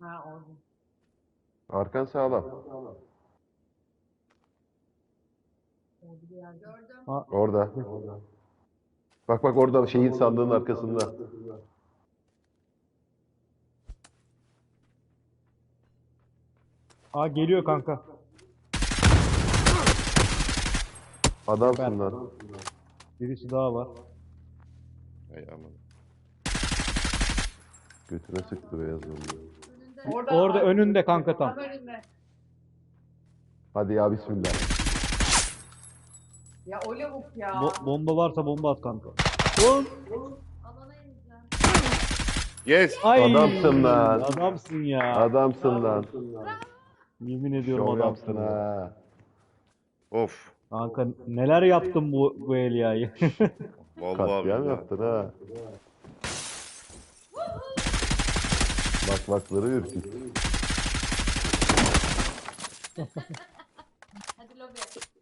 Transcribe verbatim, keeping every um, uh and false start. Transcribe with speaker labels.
Speaker 1: Ha orada.
Speaker 2: Arkan sağlam.
Speaker 1: Orada bir yerde.
Speaker 3: Gördüm.
Speaker 2: Orada. Bak bak orada şeyin sandığın arkasında.
Speaker 4: Aa geliyor kanka.
Speaker 2: Adamsın lan.
Speaker 4: Birisi daha var.
Speaker 5: Ay aman.
Speaker 2: Götüne sıktı beyaz onu.
Speaker 3: Önünde.
Speaker 1: Orada,
Speaker 4: Orada
Speaker 1: var.
Speaker 4: önünde kanka tam.
Speaker 1: Tam önünde.
Speaker 2: Hadi ya bismillah.
Speaker 1: Ya o lavuk ya.
Speaker 4: Bo- bomba varsa bomba at kanka.
Speaker 3: Alana ineceğim.
Speaker 5: Yes.
Speaker 4: Ay,
Speaker 2: Adamsın lan.
Speaker 4: Adamsın ya.
Speaker 2: Adamsın lan.
Speaker 4: Yemin ediyorum
Speaker 2: Şov
Speaker 4: adamsın.
Speaker 2: yaptın ha.
Speaker 5: Of.
Speaker 4: Kanka neler yaptın bu bu Elia'yı.
Speaker 5: Vallahi
Speaker 2: Katliam
Speaker 5: billahi.
Speaker 2: yaptın ha. Bak bakları ürkük.
Speaker 3: Hadi lobi.